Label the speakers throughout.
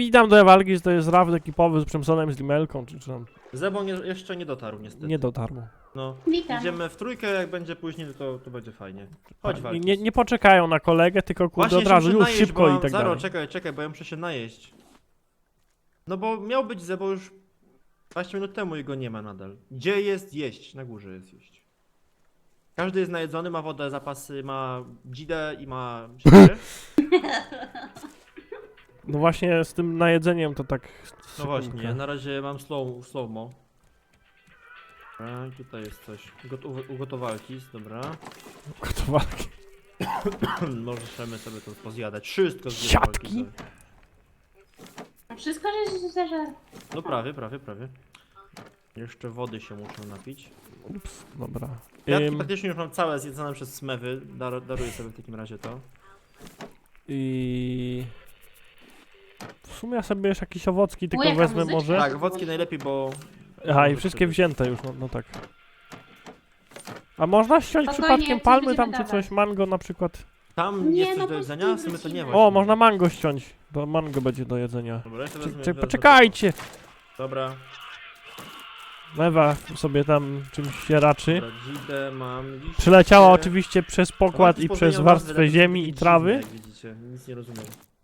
Speaker 1: witam do walki, że to jest raft ekipowy z Przemsonem, z Limelką, czy tam
Speaker 2: Zebon jeszcze nie dotarł niestety.
Speaker 1: nie dotarło.
Speaker 2: No.
Speaker 3: Witam.
Speaker 2: Idziemy w trójkę, jak będzie później, to będzie fajnie. Chodź walki.
Speaker 1: Nie poczekają na kolegę, tylko kurde
Speaker 2: Właśnie
Speaker 1: od razu
Speaker 2: się muszę
Speaker 1: już
Speaker 2: najeść,
Speaker 1: szybko
Speaker 2: bo
Speaker 1: i tak
Speaker 2: Zaro,
Speaker 1: dalej.
Speaker 2: czekaj, bo ja muszę się najeść. No bo miał być Zebo już 20 minut temu i go nie ma nadal. Gdzie jest jeść? Na górze jest jeść. Każdy jest najedzony, ma wodę, zapasy, ma dzidę i ma siebie.
Speaker 1: No właśnie z tym najedzeniem to tak...
Speaker 2: No właśnie, na razie mam slow-mo. Dobra, i tutaj jest coś. Ugotowalki, dobra.
Speaker 1: Gotowalki.
Speaker 2: Możemy sobie to pozjadać. Wszystko z
Speaker 1: Siatki?
Speaker 2: sobie.
Speaker 3: Wszystko, że się zażar.
Speaker 2: No prawie. Jeszcze wody się muszę napić.
Speaker 1: Ups, dobra.
Speaker 2: Kwiatki praktycznie już mam całe zjedzone przez smewy. Daruję sobie w takim razie to.
Speaker 1: I... W sumie ja sobie jeszcze jakieś owocki tylko
Speaker 3: jaka
Speaker 1: wezmę
Speaker 3: muzyczka?
Speaker 1: może.
Speaker 2: Tak, owocki najlepiej, bo...
Speaker 1: Aha, i wszystkie wzięte już, no tak. A można ściąć
Speaker 3: Spokojnie,
Speaker 1: przypadkiem
Speaker 3: coś
Speaker 1: palmy
Speaker 3: będziemy
Speaker 1: tam czy
Speaker 3: dawać.
Speaker 1: coś, mango na przykład?
Speaker 2: Tam
Speaker 3: Nie,
Speaker 2: jest coś
Speaker 3: no
Speaker 2: do
Speaker 3: po
Speaker 2: jedzenia,
Speaker 3: prostu
Speaker 2: w sumie to nie
Speaker 3: wrócimy.
Speaker 2: właśnie.
Speaker 1: O, można mango ściąć. To mango będzie do jedzenia.
Speaker 2: Dobra, jeszcze wezmę,
Speaker 1: Poczekajcie!
Speaker 2: Dobra,
Speaker 1: Mewa sobie tam czymś się raczy.
Speaker 2: dobra, dzidę mam, liście.
Speaker 1: Przyleciała oczywiście przez pokład
Speaker 2: Owocki
Speaker 1: i
Speaker 2: z
Speaker 1: przez
Speaker 2: pozmienią
Speaker 1: warstwę
Speaker 2: nazwy,
Speaker 1: ziemi
Speaker 2: takie
Speaker 1: i trawy.
Speaker 2: dziwne, jak widzicie, nic nie rozumiem.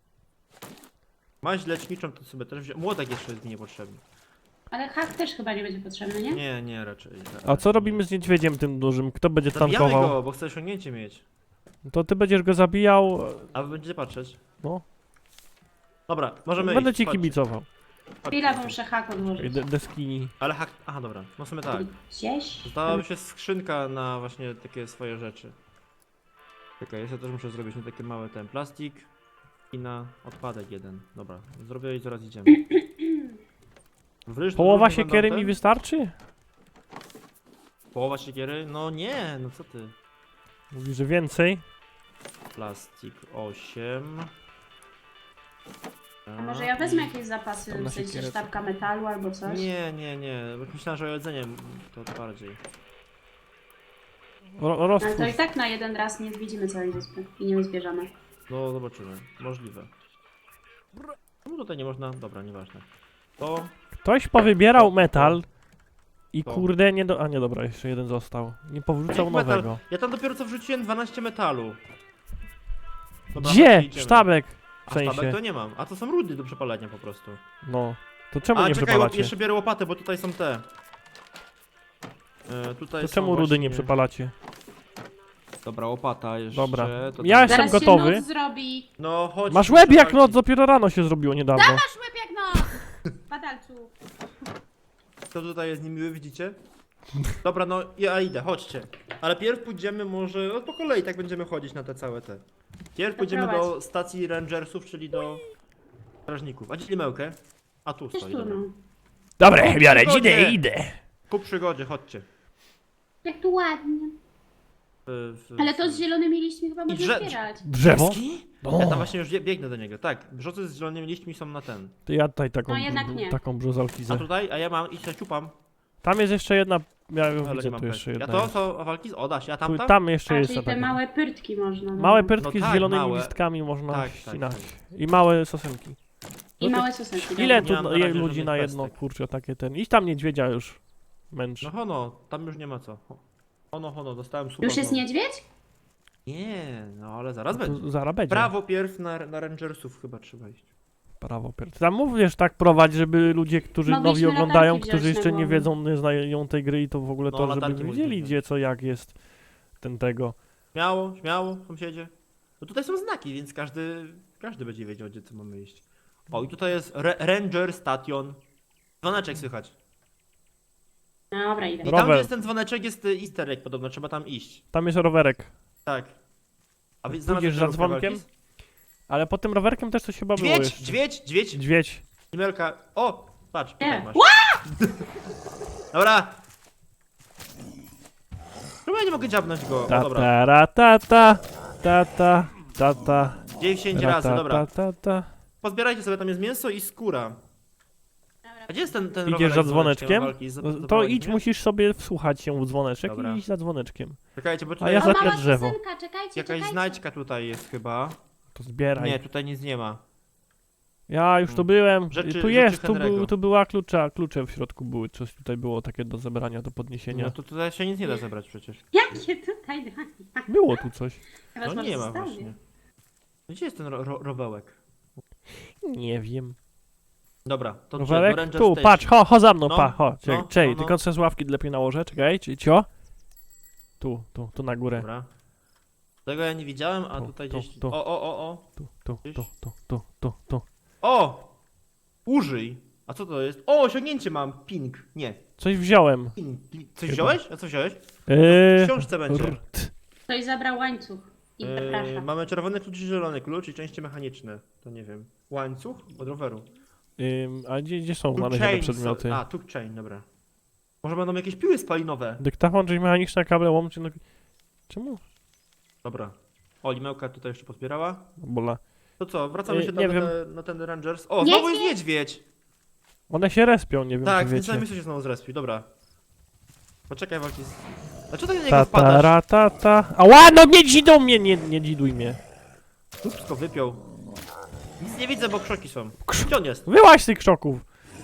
Speaker 2: Maź leczniczą to sobie też wziąłem. Młotek jeszcze jest mi niepotrzebny.
Speaker 3: Ale hak też chyba nie będzie potrzebny, nie?
Speaker 2: Nie, raczej.
Speaker 1: A co robimy z niedźwiedziem tym dużym? Kto będzie
Speaker 2: Zabijamy
Speaker 1: tankował?
Speaker 2: go, bo chcę osiągnięcie mieć.
Speaker 1: To ty będziesz go zabijał,
Speaker 2: A wy będziecie patrzeć.
Speaker 1: no.
Speaker 2: Dobra, możemy
Speaker 1: Będę
Speaker 2: iść,
Speaker 1: ci
Speaker 2: chodźcie,
Speaker 1: kibicował.
Speaker 2: chodźcie.
Speaker 3: Chwila, bo muszę hak odłożyć.
Speaker 1: Deskini.
Speaker 2: Ale hak... Aha, dobra, no w sumie tak.
Speaker 3: Gdzieś?
Speaker 2: Zostałaby się skrzynka na właśnie takie swoje rzeczy. Czekaj, ja sobie też muszę zrobić nie takie małe ten plastik i na odpadek jeden. Dobra, zrobię i zaraz idziemy. Wryż
Speaker 1: Połowa
Speaker 2: drugi
Speaker 1: siekiery
Speaker 2: będą
Speaker 1: mi
Speaker 2: te?
Speaker 1: wystarczy?
Speaker 2: Połowa siekiery? No nie, no co ty.
Speaker 1: Mówi, że więcej.
Speaker 2: Plastik 8.
Speaker 3: A może ja wezmę jakieś zapasy,
Speaker 1: Tam na
Speaker 3: w sensie
Speaker 1: siekierę
Speaker 3: sztabka metalu albo coś?
Speaker 2: Nie, bo myślałem, że o jedzenie to bardziej.
Speaker 3: Ale to
Speaker 1: Roztwórz.
Speaker 3: i tak na jeden raz nie zwiedzimy całej wyspy i nie zbierzemy.
Speaker 2: No zobaczymy, możliwe. No tutaj nie można, dobra, nieważne. To
Speaker 1: Ktoś powybierał metal i
Speaker 2: To.
Speaker 1: kurde nie do... A nie, dobra, jeszcze jeden został. Nie powrócał
Speaker 2: metal.
Speaker 1: nowego.
Speaker 2: Ja tam dopiero co wrzuciłem 12 metalu. Dobra,
Speaker 1: Gdzie?
Speaker 2: chodźcie, idziemy.
Speaker 1: Sztabek. W
Speaker 2: A sztabek
Speaker 1: sensie.
Speaker 2: to nie mam, a to są rudy do przepalania po prostu.
Speaker 1: No. To czemu
Speaker 2: A
Speaker 1: nie
Speaker 2: czekaj,
Speaker 1: przepalacie?
Speaker 2: jeszcze biorę łopatę, bo tutaj są te. Tutaj
Speaker 1: To
Speaker 2: są
Speaker 1: czemu rudy nie
Speaker 2: właśnie-
Speaker 1: przepalacie?
Speaker 2: Dobra, łopata jeszcze.
Speaker 1: Dobra.
Speaker 2: To
Speaker 1: Ja
Speaker 2: tam-
Speaker 1: jestem
Speaker 3: Zaraz
Speaker 1: gotowy.
Speaker 3: się noc zrobi.
Speaker 2: No chodź.
Speaker 1: Masz
Speaker 2: muszę
Speaker 1: łeb jak
Speaker 2: walczyć.
Speaker 1: noc, dopiero rano się zrobiło niedawno.
Speaker 3: Masz łeb jak no! Padalcu.
Speaker 2: Kto tutaj jest niemiły, widzicie? Dobra, no ja idę, chodźcie. Ale pierw pójdziemy może, no po kolei tak będziemy chodzić na te całe te. Pierw pójdziemy do
Speaker 3: prowadź.
Speaker 2: stacji rangersów, czyli do strażników. A gdzie limełkę? A tu
Speaker 3: Też
Speaker 2: stoi.
Speaker 3: tu
Speaker 2: dobra.
Speaker 3: no.
Speaker 1: Dobra, biorę,
Speaker 2: Przygodzie.
Speaker 1: idę.
Speaker 2: Ku przygodzie, chodźcie.
Speaker 3: Jak tu ładnie. Ale to z zielonymi liśćmi chyba można
Speaker 2: drze-
Speaker 3: zbierać.
Speaker 1: Drzewo?
Speaker 2: Ski?
Speaker 1: O.
Speaker 2: Ja tam właśnie już biegnę do niego, tak. Brzozy z zielonymi liśćmi są na ten.
Speaker 1: To ja tutaj taką,
Speaker 3: No jednak nie.
Speaker 1: taką brzozalki
Speaker 2: A
Speaker 1: ze.
Speaker 2: tutaj, a ja mam i się ciupam.
Speaker 1: Tam jest jeszcze jedna, ja ją
Speaker 2: Ale
Speaker 1: widzę,
Speaker 2: nie mam
Speaker 1: tu jeszcze
Speaker 2: pewnie.
Speaker 1: jedna
Speaker 2: Ja
Speaker 1: jest.
Speaker 2: to walki? O, da się, a tam?
Speaker 1: Tam jeszcze
Speaker 3: A,
Speaker 1: jest
Speaker 3: czyli
Speaker 1: ta
Speaker 3: te
Speaker 1: taka.
Speaker 3: małe pyrtki można. no.
Speaker 1: Małe pyrtki
Speaker 2: No
Speaker 1: z
Speaker 2: tak,
Speaker 1: zielonymi
Speaker 2: małe.
Speaker 1: listkami można
Speaker 2: Tak,
Speaker 1: ścinać.
Speaker 2: tak.
Speaker 1: I małe sosenki.
Speaker 3: I małe sosenki.
Speaker 1: Ile
Speaker 2: Nie
Speaker 1: tu
Speaker 2: mam na razie
Speaker 1: ludzi
Speaker 2: żadnych
Speaker 1: na jedno,
Speaker 2: pestek.
Speaker 1: kurczę, takie ten. Iść tam niedźwiedzia już męczy.
Speaker 2: No hono, tam już nie ma co. Hono, dostałem suba.
Speaker 3: Już jest
Speaker 2: znowu.
Speaker 3: niedźwiedź?
Speaker 2: Nie, no ale zaraz będzie.
Speaker 1: To zaraz będzie.
Speaker 2: Prawo pierw na rangersów chyba trzeba iść.
Speaker 1: Prawo pierw. Tam mówisz tak prowadź, żeby ludzie, którzy
Speaker 3: Mogliśmy
Speaker 1: nowi oglądają,
Speaker 3: latarki
Speaker 1: którzy
Speaker 3: wziąć
Speaker 1: jeszcze
Speaker 3: na
Speaker 1: nie
Speaker 3: głowę.
Speaker 1: wiedzą, nie znają tej gry i to w ogóle
Speaker 2: No,
Speaker 1: to, żeby
Speaker 2: latarki
Speaker 1: wiedzieli
Speaker 2: mogliśmy
Speaker 1: gdzie, co, jak jest tego.
Speaker 2: Śmiało, sąsiedzie. No tutaj są znaki, więc każdy będzie wiedział, gdzie co mamy iść. O, i tutaj jest Ranger Station. Dzwoneczek słychać.
Speaker 3: Dobra, idę.
Speaker 2: I tam,
Speaker 1: Rower.
Speaker 2: gdzie jest ten dzwoneczek, jest easter egg podobno, trzeba tam iść.
Speaker 1: Tam jest rowerek.
Speaker 2: Tak. A wy
Speaker 1: Pójdziesz
Speaker 2: znalazłeś
Speaker 1: za
Speaker 2: żarówkę
Speaker 1: dzwonkiem?
Speaker 2: walki?
Speaker 1: Ale pod tym rowerkiem też coś chyba było jeszcze.
Speaker 2: Dźwiedź!
Speaker 1: Dźwiedź.
Speaker 2: Imelka, o! Patrz, tutaj
Speaker 3: Nie.
Speaker 2: masz. Dobra. Chyba ja nie mogę dziabnąć go. O,
Speaker 1: Ta
Speaker 2: dobra.
Speaker 1: ta ra ta ta ta ta ta ta
Speaker 2: 10
Speaker 1: ra,
Speaker 2: razy,
Speaker 1: ta,
Speaker 2: dobra.
Speaker 1: ta, ta.
Speaker 2: Pozbierajcie sobie, tam jest mięso i skóra.
Speaker 3: Dobra.
Speaker 2: A gdzie jest ten
Speaker 1: Idziesz
Speaker 2: rowerek
Speaker 1: za
Speaker 2: z
Speaker 1: dzwoneczkiem?
Speaker 2: walki?
Speaker 1: To
Speaker 2: Zaprowadzi
Speaker 1: idź,
Speaker 2: mnie?
Speaker 1: musisz sobie wsłuchać się w dzwoneczek
Speaker 2: Dobra.
Speaker 1: i iść za dzwoneczkiem.
Speaker 2: Czekajcie, bo
Speaker 1: A
Speaker 2: tutaj
Speaker 1: ja
Speaker 3: O,
Speaker 1: za
Speaker 2: jest
Speaker 1: te
Speaker 3: mała
Speaker 1: drzewo.
Speaker 3: sosenka, czekajcie,
Speaker 2: jakaś
Speaker 3: czekajcie.
Speaker 2: znajdźka tutaj jest chyba.
Speaker 1: To zbieraj.
Speaker 2: Nie, tutaj nic nie ma.
Speaker 1: Ja już tu byłem.
Speaker 2: Rzeczy-
Speaker 1: Tu
Speaker 2: rzeczy
Speaker 1: jest,
Speaker 2: Henry'ego.
Speaker 1: tu była klucze w środku były. Coś tutaj było takie do zebrania, do podniesienia.
Speaker 2: No to tutaj się nic nie da zebrać przecież.
Speaker 3: Jakie tutaj dwa?
Speaker 1: Było tu coś.
Speaker 3: Chyba,
Speaker 2: No
Speaker 3: że może
Speaker 2: nie ma
Speaker 3: zostawię.
Speaker 2: właśnie. Gdzie jest ten rowełek?
Speaker 1: Nie wiem.
Speaker 2: Dobra, to
Speaker 1: Rowerek?
Speaker 2: Ranger
Speaker 1: Tu,
Speaker 2: Station.
Speaker 1: patrz, ho za mną,
Speaker 2: No,
Speaker 1: pa, ho. Czekaj,
Speaker 2: no,
Speaker 1: czekaj,
Speaker 2: no, no.
Speaker 1: tylko sobie z ławki lepiej nałożę, czekaj, cio. Tu na górę.
Speaker 2: Dobra. Tego ja nie widziałem, a
Speaker 1: Tu,
Speaker 2: tutaj
Speaker 1: tu,
Speaker 2: gdzieś...
Speaker 1: tu.
Speaker 2: O!
Speaker 1: Tu.
Speaker 2: O! Użyj! A co to jest? O, osiągnięcie mam! Ping! Nie.
Speaker 1: Coś wziąłem.
Speaker 2: Coś
Speaker 1: Chyba.
Speaker 2: wziąłeś? A co wziąłeś? W książce będzie.
Speaker 3: Ktoś zabrał łańcuch i zapraszam.
Speaker 2: Mamy czerwony klucz i zielony klucz i części mechaniczne. To nie wiem. Łańcuch od roweru.
Speaker 1: A gdzie są
Speaker 2: Took
Speaker 1: znalezione
Speaker 2: chain,
Speaker 1: przedmioty?
Speaker 2: A, took chain, dobra. Może będą jakieś piły spalinowe.
Speaker 1: Dyktafon, czyli mechaniczne, kable łączy. No... Czemu?
Speaker 2: Dobra. O, limełka tutaj jeszcze pozbierała.
Speaker 1: Bola.
Speaker 2: To co, wracamy się
Speaker 1: nie
Speaker 2: tam
Speaker 1: wiem.
Speaker 2: na ten Rangers. O, znowu jest niedźwiedź!
Speaker 1: One się respią, nie wiem
Speaker 2: Tak,
Speaker 1: czy
Speaker 2: ten
Speaker 1: wiecie.
Speaker 2: sam się znowu zrespił, dobra. Poczekaj, walki z... Dlaczego ty na
Speaker 1: Ta
Speaker 2: niego wpadasz?
Speaker 1: ta ra, ta ta. Ała, no nie dzidą mnie, nie dziduj mnie.
Speaker 2: Wszystko wypiął. Nic nie widzę, bo krzoki są. Gdzie on jest?
Speaker 1: Wyłaź z tych krzoków.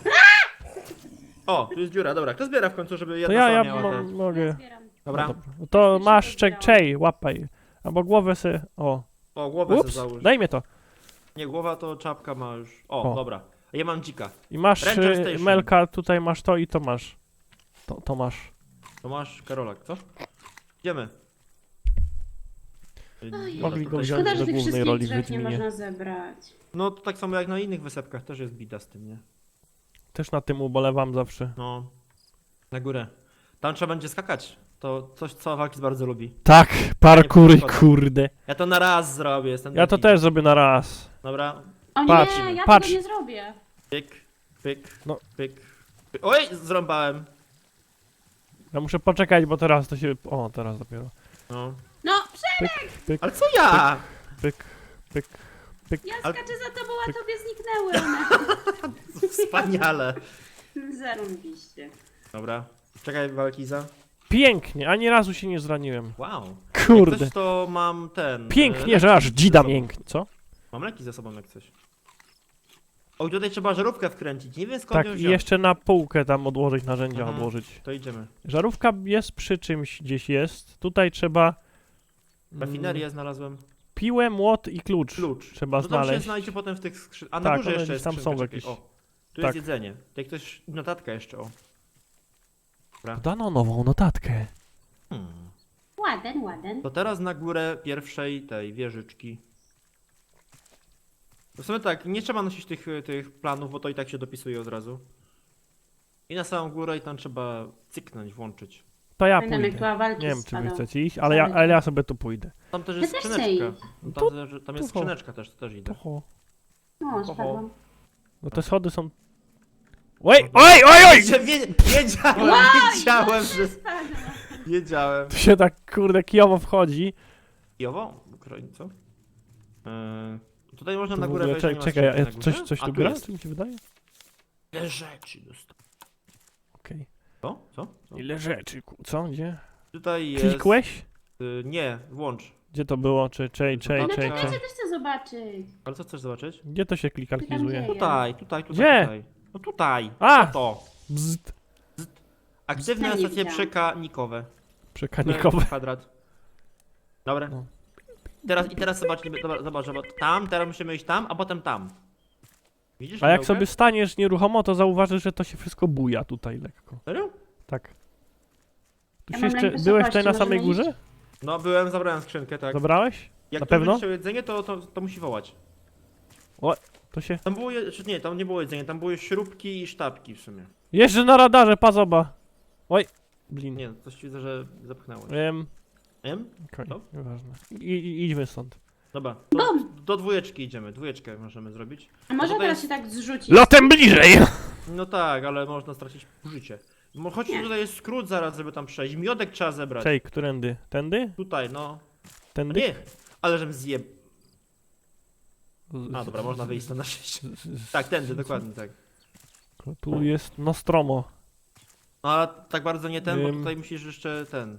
Speaker 2: O, tu jest dziura, dobra. Kto zbiera w końcu, żeby
Speaker 1: To
Speaker 2: jedna
Speaker 1: ja
Speaker 2: sama miała te...
Speaker 1: mogę.
Speaker 3: Zbieram.
Speaker 2: Dobra.
Speaker 1: No dobra. To
Speaker 3: Już
Speaker 1: masz,
Speaker 3: się zbierałam.
Speaker 1: czej, łapaj. Albo głowę se, o.
Speaker 2: O, głowę sobie
Speaker 1: Ups,
Speaker 2: załóż.
Speaker 1: daj mnie to.
Speaker 2: Nie, głowa to czapka ma już. O,
Speaker 1: O.
Speaker 2: dobra. A ja mam dzika.
Speaker 1: I masz,
Speaker 2: Ranger Station.
Speaker 1: Melka, tutaj masz to i to masz. To masz.
Speaker 2: To masz Karolak, co? Idziemy.
Speaker 1: Mogli go
Speaker 2: tutaj-
Speaker 1: wziąć
Speaker 3: Szkoda, że
Speaker 1: do
Speaker 3: tych
Speaker 1: głównej
Speaker 3: wszystkich
Speaker 1: roli w
Speaker 3: drzew nie
Speaker 1: Wiedźminie.
Speaker 3: można zebrać.
Speaker 2: No to tak samo jak na innych wysepkach też jest bida z tym, nie?
Speaker 1: Też na tym ubolewam zawsze.
Speaker 2: No. Na górę. Tam trzeba będzie skakać. To coś, co Walkis bardzo lubi.
Speaker 1: Tak, parkury,
Speaker 2: przeszkoda.
Speaker 1: kurde.
Speaker 2: Ja to na raz zrobię, jestem
Speaker 1: Ja to
Speaker 2: taki.
Speaker 1: też zrobię na raz.
Speaker 2: Dobra.
Speaker 3: O nie,
Speaker 1: Patrz,
Speaker 3: ja
Speaker 1: patrz.
Speaker 3: tego nie zrobię.
Speaker 2: Pyk, pyk,
Speaker 1: No.
Speaker 2: pyk, pyk. Oj, zrąbałem.
Speaker 1: Ja muszę poczekać, bo teraz to się... O, teraz dopiero.
Speaker 2: No.
Speaker 3: No,
Speaker 2: Ale co ja?
Speaker 1: Pyk, pyk.
Speaker 3: ja
Speaker 2: Ale-
Speaker 3: skaczę za tobą, a tobie zniknęły one.
Speaker 2: Wspaniale.
Speaker 3: Zarąbiście.
Speaker 2: Dobra. Czekaj, Walkiza.
Speaker 1: Pięknie, ani razu się nie zraniłem.
Speaker 2: Wow.
Speaker 1: Kurde.
Speaker 2: Jak coś, to mam ten...
Speaker 1: Pięknie, że aż
Speaker 2: leki
Speaker 1: dzida
Speaker 2: ze sobą.
Speaker 1: mięknie, co?
Speaker 2: Mam leki ze sobą jak coś. O, i tutaj trzeba żarówkę wkręcić. Nie wiem skąd
Speaker 1: Tak,
Speaker 2: ją
Speaker 1: i
Speaker 2: wziąć.
Speaker 1: jeszcze na półkę tam odłożyć, narzędzia
Speaker 2: Mhm.
Speaker 1: odłożyć.
Speaker 2: To idziemy.
Speaker 1: Żarówka jest przy czymś gdzieś jest. Tutaj trzeba...
Speaker 2: Rafinerię znalazłem.
Speaker 1: Piłę, młot i klucz.
Speaker 2: Klucz.
Speaker 1: Trzeba
Speaker 2: No tam się
Speaker 1: znaleźć.
Speaker 2: znajdzie potem w tych skrzynkach. A na
Speaker 1: Tak,
Speaker 2: górze
Speaker 1: one
Speaker 2: jeszcze
Speaker 1: gdzieś
Speaker 2: jest
Speaker 1: tam
Speaker 2: skrzynka,
Speaker 1: są
Speaker 2: czekaj.
Speaker 1: jakieś.
Speaker 2: O, tu
Speaker 1: Tak.
Speaker 2: jest jedzenie. Tutaj ktoś... Notatka jeszcze, o.
Speaker 1: Dano nową notatkę.
Speaker 3: Ładen.
Speaker 2: To teraz na górę pierwszej tej wieżyczki. W sumie tak, nie trzeba nosić tych planów, bo to i tak się dopisuje od razu. I na samą górę i tam trzeba cyknąć, włączyć.
Speaker 1: To ja
Speaker 3: Pamiętam jak
Speaker 1: pójdę.
Speaker 3: była walki
Speaker 1: Nie wiem,
Speaker 3: z
Speaker 1: czy wy
Speaker 3: padą.
Speaker 1: chcecie iść, ale ja sobie tu pójdę.
Speaker 2: Tam też
Speaker 3: Ja
Speaker 2: jest
Speaker 3: też chcę
Speaker 2: skrzyneczka.
Speaker 3: iść.
Speaker 2: No
Speaker 1: To-
Speaker 2: tam jest
Speaker 1: to-
Speaker 2: skrzyneczka też, to też idę.
Speaker 1: Oho.
Speaker 3: No, spadłam.
Speaker 1: No te schody są... Oj!
Speaker 2: Wiedziałem, że... Wiedziałem.
Speaker 1: Tu się tak, kurde, kijowo wchodzi.
Speaker 2: Jowo? Co? Tutaj można
Speaker 1: Tu
Speaker 2: na
Speaker 1: w
Speaker 2: górę
Speaker 1: ogóle,
Speaker 2: wejść, nie ma
Speaker 1: czekaj, ja
Speaker 2: skrzynki na górze?
Speaker 1: coś
Speaker 2: A,
Speaker 1: tu gra?
Speaker 2: jest.
Speaker 1: Czy mi się wydaje?
Speaker 2: Ile rzeczy dostałem.
Speaker 1: Okej.
Speaker 2: Co?
Speaker 1: Ile rzeczy, co? Gdzie?
Speaker 2: Tutaj jest...
Speaker 1: Klikłeś?
Speaker 2: Nie, włącz.
Speaker 1: Gdzie to było?
Speaker 2: No
Speaker 1: Czej.
Speaker 2: czekaj.
Speaker 3: Ja też chcę zobaczyć.
Speaker 2: Ale co chcesz zobaczyć?
Speaker 1: Gdzie to się klikalkizuje?
Speaker 3: Gdzie?
Speaker 2: Tutaj.
Speaker 1: Gdzie?
Speaker 2: Tutaj. No tutaj.
Speaker 1: A!
Speaker 2: Co to?
Speaker 1: Bzd.
Speaker 2: Aktywne
Speaker 3: Ja nie
Speaker 2: stacje
Speaker 3: widziałam.
Speaker 2: przekanikowe.
Speaker 1: Przekanikowe.
Speaker 2: Kwadrat. Dobra.
Speaker 1: No.
Speaker 2: Teraz zobaczmy, zobacz, teraz musimy iść tam, a potem tam. Widzisz?
Speaker 1: A jak
Speaker 2: pudełkę?
Speaker 1: sobie staniesz nieruchomo, to zauważysz, że to się wszystko buja tutaj lekko.
Speaker 2: Serio?
Speaker 1: Tak. Tu
Speaker 3: Ja
Speaker 1: się
Speaker 3: mam
Speaker 1: jeszcze...
Speaker 3: lęk
Speaker 1: Byłeś
Speaker 3: wysokości,
Speaker 1: tutaj na samej
Speaker 3: możemy
Speaker 1: górze?
Speaker 2: No, zabrałem skrzynkę, tak.
Speaker 1: Zabrałeś?
Speaker 2: Jak
Speaker 1: na
Speaker 2: ktoś
Speaker 1: pewno?
Speaker 2: będzie chciał jedzenie, to musi wołać.
Speaker 1: To się...
Speaker 2: Tam było, nie, tam nie było jedzenia, tam były śrubki i sztabki w sumie.
Speaker 1: Jeżdżę na radarze, pazoba. Oj. Blin.
Speaker 2: Nie, coś widzę, że zapchnęło.
Speaker 1: Wiem.
Speaker 2: No.
Speaker 1: Okej, nieważne. Idźmy stąd.
Speaker 2: Dobra,
Speaker 3: Bum!
Speaker 2: do dwójeczki idziemy, dwójeczkę możemy zrobić.
Speaker 3: A może
Speaker 2: to
Speaker 3: teraz
Speaker 2: jest-
Speaker 3: się tak zrzucić?
Speaker 1: Lotem bliżej!
Speaker 2: No tak, ale można stracić życie. Choć
Speaker 3: Nie.
Speaker 2: tutaj jest skrót zaraz, żeby tam przejść. Miodek trzeba zebrać.
Speaker 1: Czej, którędy? Tędy?
Speaker 2: Tutaj, no.
Speaker 1: Tędy?
Speaker 2: Nie, ale żem zjeb... A, dobra, można wyjść na 6. Tak, tędy, dokładnie tak.
Speaker 1: Tu jest Nostromo.
Speaker 2: No ale tak bardzo nie ten, bo
Speaker 1: Ym.
Speaker 2: tutaj musisz jeszcze ten...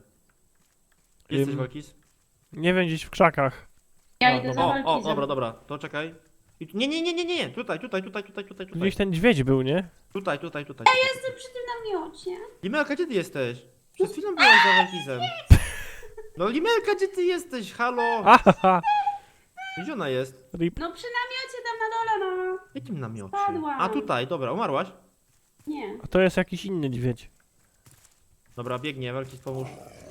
Speaker 2: Jesteś, Walkis?
Speaker 1: Nie wiem, gdzieś w krzakach.
Speaker 3: Ja
Speaker 1: A,
Speaker 3: idę
Speaker 1: dobra.
Speaker 3: za walki.
Speaker 2: Dobra, to czekaj. Nie, tutaj.
Speaker 1: Gdzieś ten dźwiedź był, nie?
Speaker 2: Tutaj.
Speaker 3: Jestem przy tym namiocie.
Speaker 2: Limelka, gdzie ty jesteś? Przed chwilą byłaś za Walkizem. No Limelka, gdzie ty jesteś? Halo?
Speaker 1: Ahaha!
Speaker 2: Gdzie ona jest?
Speaker 1: Rip.
Speaker 3: No przy namiocie tam na dole, no.
Speaker 2: W jakim namiocie?
Speaker 3: Spadłam.
Speaker 2: A tutaj, dobra, umarłaś?
Speaker 3: Nie.
Speaker 1: A to jest jakiś inny dźwiedź.
Speaker 2: Dobra, biegnie, Walkiz, pomóż.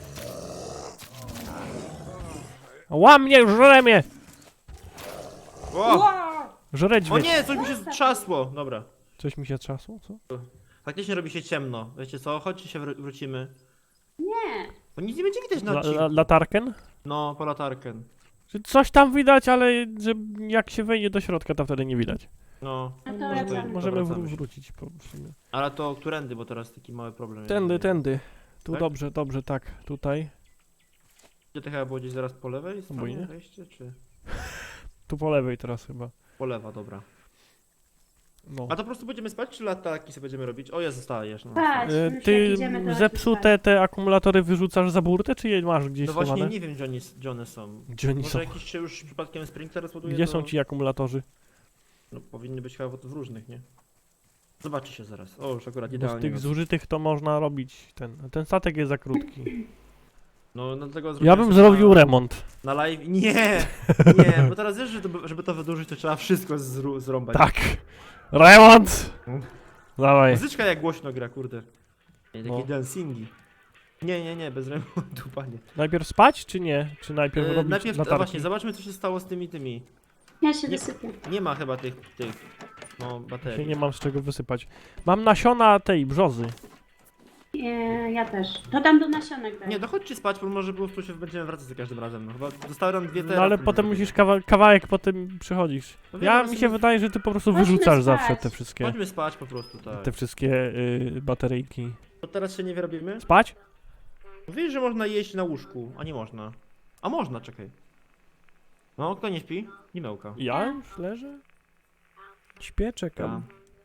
Speaker 1: Łam mnie, żre mnie!
Speaker 2: O!
Speaker 3: Wow.
Speaker 1: Żre
Speaker 2: O
Speaker 1: dźwiedź.
Speaker 2: nie, coś mi się trzasło. Dobra.
Speaker 1: Coś mi się trzasło, co?
Speaker 2: Faktycznie robi się ciemno. Wiecie co? Chodźcie się wrócimy.
Speaker 3: Nie.
Speaker 2: Bo nic nie będzie widać na odcinku.
Speaker 1: Latarken?
Speaker 2: No, po latarkę.
Speaker 1: Że coś tam widać, ale że jak się wejdzie do środka, to wtedy nie widać.
Speaker 2: No.
Speaker 3: No to
Speaker 2: może
Speaker 3: wracamy.
Speaker 1: Możemy
Speaker 2: wracamy się.
Speaker 1: wrócić w sumie.
Speaker 2: Ale to którędy, bo teraz taki mały problem.
Speaker 1: Tędy. Tu
Speaker 2: Tak?
Speaker 1: dobrze, tak. Tutaj.
Speaker 2: Gdzie to chyba było gdzieś zaraz po lewej stronie
Speaker 1: Obojnie.
Speaker 2: wejście, czy?
Speaker 1: Tu po lewej teraz chyba.
Speaker 2: Po lewa, dobra.
Speaker 1: No.
Speaker 2: A to po prostu będziemy spać, czy latarki sobie będziemy robić? O, ja zostajesz. No.
Speaker 3: Patrz, już jak
Speaker 1: Ty
Speaker 3: idziemy, to
Speaker 1: zepsute te akumulatory wyrzucasz za burtę, czy je masz gdzieś
Speaker 2: No właśnie
Speaker 1: schowane?
Speaker 2: nie wiem, gdzie one są.
Speaker 1: Gdzie oni
Speaker 2: Może
Speaker 1: są?
Speaker 2: jakiś się już przypadkiem sprinkler rozładuje?
Speaker 1: Gdzie
Speaker 2: to...
Speaker 1: są ci akumulatorzy?
Speaker 2: No powinny być chyba w różnych, nie? Zobaczy się zaraz. O, już akurat
Speaker 1: Bo z
Speaker 2: idealnie.
Speaker 1: tych zużytych to można robić ten. Ten statek jest za krótki.
Speaker 2: No dlatego
Speaker 1: Ja
Speaker 2: zrobiłem
Speaker 1: bym
Speaker 2: sobie
Speaker 1: zrobił remont.
Speaker 2: na live. Nie, bo teraz wiesz, że żeby to wydłużyć, to trzeba wszystko zrąbać.
Speaker 1: Tak! Remont!
Speaker 2: Mm.
Speaker 1: Dawaj.
Speaker 2: Muzyczka jak głośno gra, kurde. Nie, takie
Speaker 1: No.
Speaker 2: dancingi. Nie, bez remontu, panie.
Speaker 1: Najpierw spać, czy nie? Czy najpierw robić
Speaker 2: Najpierw
Speaker 1: latarki?
Speaker 2: właśnie, zobaczmy co się stało z tymi.
Speaker 3: Ja się
Speaker 2: Nie.
Speaker 3: wysypię.
Speaker 2: Nie ma chyba tych no,
Speaker 1: Się
Speaker 2: baterii.
Speaker 1: nie mam z czego wysypać. Mam nasiona tej brzozy.
Speaker 3: Ja też. To tam do nasionek daj.
Speaker 2: Nie, dochodźcie spać, bo może po prostu się będziemy wracać za każdym razem. No chyba zostały nam dwie
Speaker 1: No
Speaker 2: terapie.
Speaker 1: ale potem musisz kawałek potem przychodzisz.
Speaker 2: No wiem,
Speaker 1: Ja
Speaker 2: ale
Speaker 1: mi
Speaker 2: sobie-
Speaker 1: się wydaje, że ty po prostu
Speaker 3: Chodźmy
Speaker 1: wyrzucasz
Speaker 3: spać.
Speaker 1: zawsze te wszystkie.
Speaker 2: Chodźmy spać po prostu, tak.
Speaker 1: Te wszystkie bateryjki.
Speaker 2: To teraz się nie wyrobimy?
Speaker 1: Spać?
Speaker 2: Mówisz, że można jeść na łóżku, a nie można. A można, czekaj. No, kto nie śpi? Limełka.
Speaker 1: Ja już leżę? Śpię, czekam.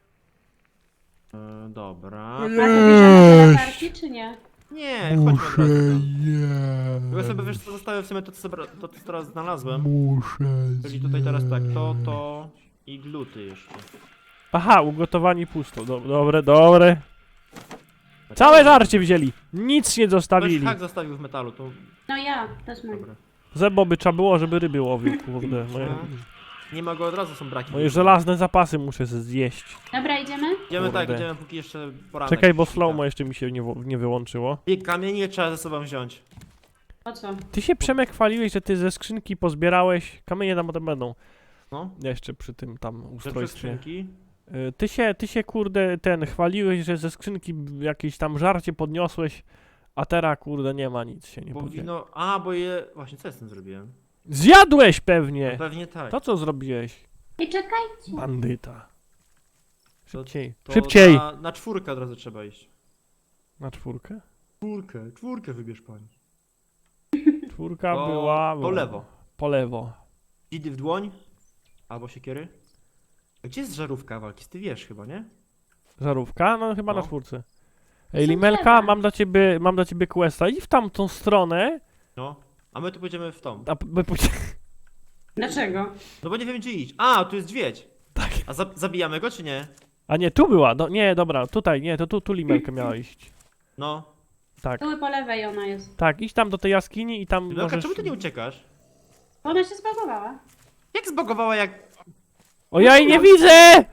Speaker 2: Dobra.
Speaker 3: A to bierzemy te latarki, czy nie?
Speaker 2: Nie, chodźmy od razu tam. Tylko sobie wiesz co zostawię w sumie to co teraz znalazłem. Czyli tutaj teraz tak, to i gluty jeszcze.
Speaker 1: Aha, ugotowani pusto. Dobre. Całe żarcie wzięli. Nic nie
Speaker 2: Ktoś
Speaker 1: zostawili.
Speaker 2: hak zostawił w metalu, to
Speaker 3: No ja, to jest mój.
Speaker 2: dobra.
Speaker 1: Zeboby trzeba było, żeby ryby łowił, kurde.
Speaker 2: Nie ma go, od razu są braki.
Speaker 1: Moje żelazne zapasy muszę zjeść.
Speaker 3: Dobra, idziemy?
Speaker 2: Idziemy tak,
Speaker 1: Kurde.
Speaker 2: idziemy póki jeszcze poranek.
Speaker 1: Czekaj, bo
Speaker 2: świta.
Speaker 1: slow-mo jeszcze mi się nie wyłączyło.
Speaker 2: I kamienie trzeba ze sobą wziąć.
Speaker 3: Po co?
Speaker 1: Ty się, Przemek, chwaliłeś, że ty ze skrzynki pozbierałeś. Kamienie tam potem będą.
Speaker 2: No.
Speaker 1: Jeszcze przy tym tam
Speaker 2: Że przez
Speaker 1: ustrojstwie.
Speaker 2: skrzynki.
Speaker 1: Ty się kurde chwaliłeś, że ze skrzynki jakieś tam żarcie podniosłeś, a teraz kurde nie ma nic się nie
Speaker 2: Bo
Speaker 1: podnie.
Speaker 2: wino... A, bo je... Właśnie, co ja z tym zrobiłem?
Speaker 1: Zjadłeś
Speaker 2: No,
Speaker 1: pewnie!
Speaker 2: pewnie tak.
Speaker 1: To co zrobiłeś?
Speaker 3: I czekajcie.
Speaker 1: Bandyta. Szybciej.
Speaker 2: To
Speaker 1: Szybciej!
Speaker 2: Na czwórkę od razu trzeba iść.
Speaker 1: Na czwórkę?
Speaker 2: Czwórkę wybierz pani.
Speaker 1: Czwórka
Speaker 2: Po-
Speaker 1: była...
Speaker 2: po lewo.
Speaker 1: Po lewo.
Speaker 2: Dzidy w dłoń. Albo siekiery. A gdzie jest żarówka walki? Ty wiesz chyba, nie?
Speaker 1: Żarówka? No chyba
Speaker 2: No.
Speaker 1: na czwórce. Ej,
Speaker 3: Są
Speaker 1: Limelka,
Speaker 3: drzewa.
Speaker 1: mam dla ciebie questa. I w tamtą stronę,
Speaker 2: No. A my tu pójdziemy w tą.
Speaker 3: Dlaczego?
Speaker 2: No bo nie wiem gdzie iść. A, tu jest dźwiedź.
Speaker 1: Tak.
Speaker 2: A zabijamy go czy nie?
Speaker 1: A nie, tu była. Nie, dobra, tutaj, nie, to tu Limelka miała iść.
Speaker 2: No.
Speaker 1: Tak,
Speaker 3: Tu po lewej ona jest.
Speaker 1: tak, idź tam do tej jaskini i tam
Speaker 2: Limelka,
Speaker 1: możesz...
Speaker 2: czemu ty nie uciekasz?
Speaker 3: Ona się zbagowała.
Speaker 2: Jak zbagowała jak...
Speaker 1: O, ja jej nie widzę!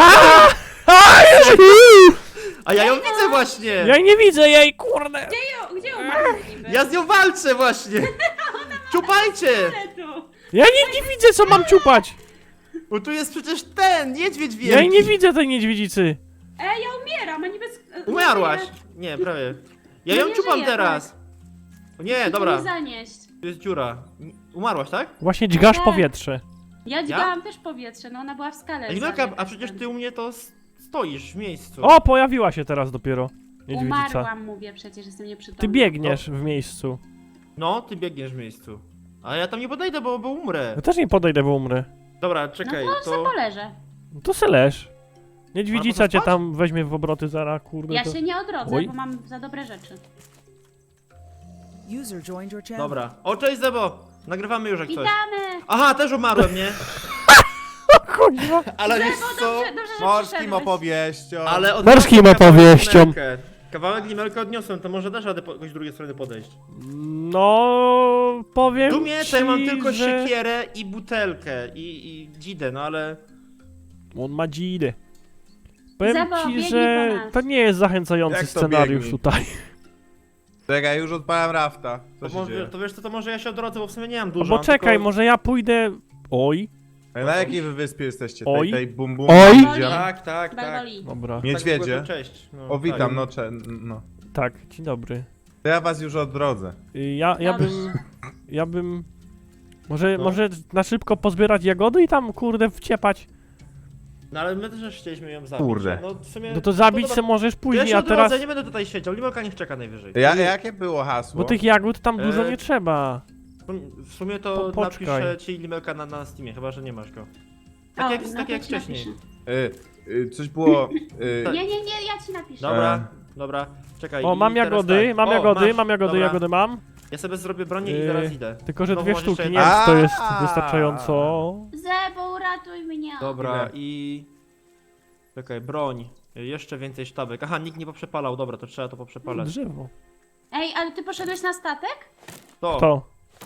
Speaker 2: A ja ją widzę właśnie!
Speaker 1: Ja jej nie widzę, jej, kurde!
Speaker 3: Gdzie umarła niby?
Speaker 2: Ja z nią walczę właśnie! Czupajcie!
Speaker 3: Ale tu.
Speaker 1: Ja nie widzę, co mam ciupać!
Speaker 2: Bo tu jest przecież ten, niedźwiedź wielki!
Speaker 1: Ja jej nie widzę tej niedźwiedzicy!
Speaker 3: Ja umieram, a niby...
Speaker 2: Umarłaś! Nie, prawie. Ja
Speaker 3: No
Speaker 2: ją
Speaker 3: nie
Speaker 2: czupam
Speaker 3: żyje,
Speaker 2: teraz! O nie,
Speaker 3: Nie
Speaker 2: dobra.
Speaker 3: zanieść.
Speaker 2: Tu jest dziura. Umarłaś, tak?
Speaker 1: Właśnie dźgasz
Speaker 3: Tak.
Speaker 1: powietrze.
Speaker 3: Ja dźgałam też powietrze, no ona była w skale.
Speaker 2: Limelka,
Speaker 3: zabiegać
Speaker 2: a przecież
Speaker 3: ten.
Speaker 2: ty u mnie to stoisz w miejscu.
Speaker 1: O, pojawiła się teraz dopiero niedźwiedzica.
Speaker 3: Umarłam, mówię, przecież jestem nieprzytomna.
Speaker 1: Ty biegniesz w miejscu.
Speaker 2: No, ty biegniesz w miejscu. A ja tam nie podejdę, bo umrę.
Speaker 1: Ja też nie podejdę, bo umrę.
Speaker 2: Dobra,
Speaker 3: No
Speaker 2: czekaj,
Speaker 3: to se poleżę.
Speaker 1: No to se leż. Niedźwiedzica
Speaker 2: Ale
Speaker 1: cię
Speaker 2: można
Speaker 1: tam weźmie w obroty zara, kurde.
Speaker 3: Ja
Speaker 1: to...
Speaker 3: się nie odrodzę,
Speaker 1: Oj.
Speaker 3: bo mam za dobre rzeczy.
Speaker 4: User joined your channel.
Speaker 2: Dobra. O, cześć Zebo! Nagrywamy już jak coś.
Speaker 3: Witamy!
Speaker 2: Aha, też umarłem, nie?
Speaker 1: kuźwa.
Speaker 4: Ale wiesz
Speaker 3: Zebo,
Speaker 4: co?
Speaker 3: dobrze, że
Speaker 4: Morskim
Speaker 3: przyszedłeś.
Speaker 4: opowieścią.
Speaker 2: Ale
Speaker 1: Morskim
Speaker 2: odniosłem kawałek
Speaker 1: opowieścią.
Speaker 2: limelkę. Kawałek limelkę odniosłem, to może dasz radę jakoś z drugiej strony podejść.
Speaker 1: No, powiem
Speaker 2: Tu mnie
Speaker 1: ci,
Speaker 2: to ja mam tylko
Speaker 1: że...
Speaker 2: siekierę i butelkę i dzidę, no ale...
Speaker 1: On ma dzidę. Powiem
Speaker 3: Zebo,
Speaker 1: ci,
Speaker 3: biegnij
Speaker 1: że
Speaker 3: po nas.
Speaker 1: to nie jest zachęcający
Speaker 4: Jak to
Speaker 1: scenariusz
Speaker 4: biegnij?
Speaker 1: tutaj.
Speaker 4: Czekaj, już odpalam rafta. Co
Speaker 2: To,
Speaker 4: się
Speaker 2: może,
Speaker 4: dzieje?
Speaker 2: to wiesz co, to może ja się odrodzę, bo w sumie nie mam
Speaker 1: No
Speaker 2: dużo.
Speaker 1: bo
Speaker 2: mam
Speaker 1: czekaj,
Speaker 2: tylko...
Speaker 1: może ja pójdę... Oj,
Speaker 4: Na jakiej wy wyspie jesteście?
Speaker 1: Oj.
Speaker 4: Tej bum bum?
Speaker 1: Oj.
Speaker 4: Widziałem.
Speaker 2: Tak, tak, tak.
Speaker 3: Barboli.
Speaker 1: dobra.
Speaker 4: Niedźwiedzie.
Speaker 2: Tak, cześć. No,
Speaker 4: O, witam,
Speaker 2: tak.
Speaker 4: no.
Speaker 1: Tak, dzień dobry.
Speaker 4: To ja was już odrodzę.
Speaker 1: Ja
Speaker 3: Dobrze.
Speaker 1: bym... Ja bym...
Speaker 2: No.
Speaker 1: Może na szybko pozbierać jagody i tam, kurde, wciepać.
Speaker 2: No ale my też chcieliśmy ją zabić.
Speaker 4: Kurde.
Speaker 2: No, w sumie,
Speaker 1: No to zabić
Speaker 2: dobra.
Speaker 1: se możesz
Speaker 2: Ja
Speaker 1: później,
Speaker 2: się
Speaker 1: a
Speaker 2: odrodzę,
Speaker 1: teraz...
Speaker 2: nie będę tutaj siedział, limelka niech czeka najwyżej.
Speaker 4: Jakie było hasło?
Speaker 1: Bo tych jagód tam dużo
Speaker 2: E,
Speaker 1: nie trzeba.
Speaker 2: W sumie to
Speaker 1: Poczekaj.
Speaker 2: napiszę ci limelka na Steamie, chyba że nie masz go. Tak jak,
Speaker 3: no
Speaker 2: tak
Speaker 3: to
Speaker 2: jak
Speaker 3: ci
Speaker 2: wcześniej.
Speaker 3: napiszę.
Speaker 4: Coś było...
Speaker 3: Nie, ja ci napiszę.
Speaker 2: Dobra, dobra, czekaj.
Speaker 1: O,
Speaker 2: i
Speaker 1: mam
Speaker 2: teraz
Speaker 1: jagody,
Speaker 2: tak.
Speaker 1: mam
Speaker 2: O,
Speaker 1: jagody,
Speaker 2: masz,
Speaker 1: mam jagody,
Speaker 2: dobra.
Speaker 1: jagody mam.
Speaker 2: Ja sobie zrobię bronię i
Speaker 1: Yy,
Speaker 2: zaraz idę.
Speaker 1: Tylko, że
Speaker 2: Znowu
Speaker 1: dwie
Speaker 2: masz
Speaker 1: sztuki,
Speaker 2: jeszcze
Speaker 1: nie
Speaker 2: jedno.
Speaker 1: wiem, czy to jest
Speaker 4: A.
Speaker 1: wystarczająco.
Speaker 3: Zebo, uratuj mnie.
Speaker 2: Dobra,
Speaker 4: Ile?
Speaker 2: i... Czekaj, broń. Jeszcze więcej sztabek. Aha, nikt nie poprzepalał, dobra, to trzeba to poprzepalać.
Speaker 1: Drzewo.
Speaker 3: Ej, ale ty poszedłeś na statek?
Speaker 2: To,
Speaker 1: To.